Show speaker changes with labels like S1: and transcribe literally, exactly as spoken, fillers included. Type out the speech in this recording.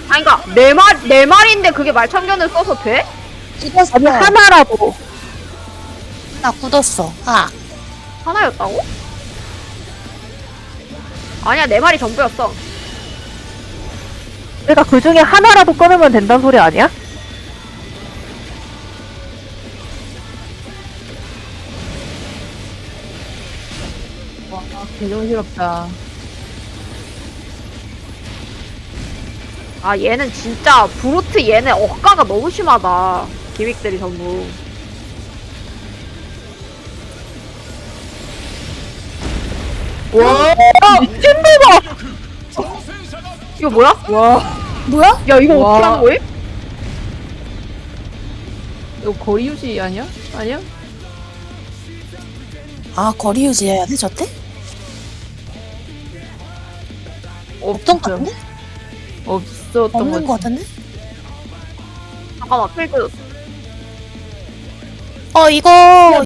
S1: 아니 그니까 네 말, 네 마리인데 그게 말참견을 써서 돼?
S2: 굳었어.
S3: 아니 하나라도.
S2: 나 굳었어. 아,
S1: 하나였다고? 아니야 네 마리 전부였어.
S3: 그러니까 그 중에 하나라도 끊으면 된다는 소리 아니야?
S4: 와, 개정스럽다.
S1: 아 얘는 진짜 브루트 얘네 억가가 너무 심하다. 기믹들이 전부.
S4: 와,
S3: 미친놈아!
S1: 이거 뭐야?
S4: 와,
S2: 뭐야?
S1: 야 이거
S4: 와.
S1: 어떻게 하는 거임?
S4: 이거 거리 유지 아니야? 아니야?
S2: 아, 거리 유지해야 돼, 저때? 없던 것 같은데?
S4: 없었던
S2: 없는
S4: 것
S2: 것 같은데?
S1: 잠깐만 필드.
S2: 어, 이거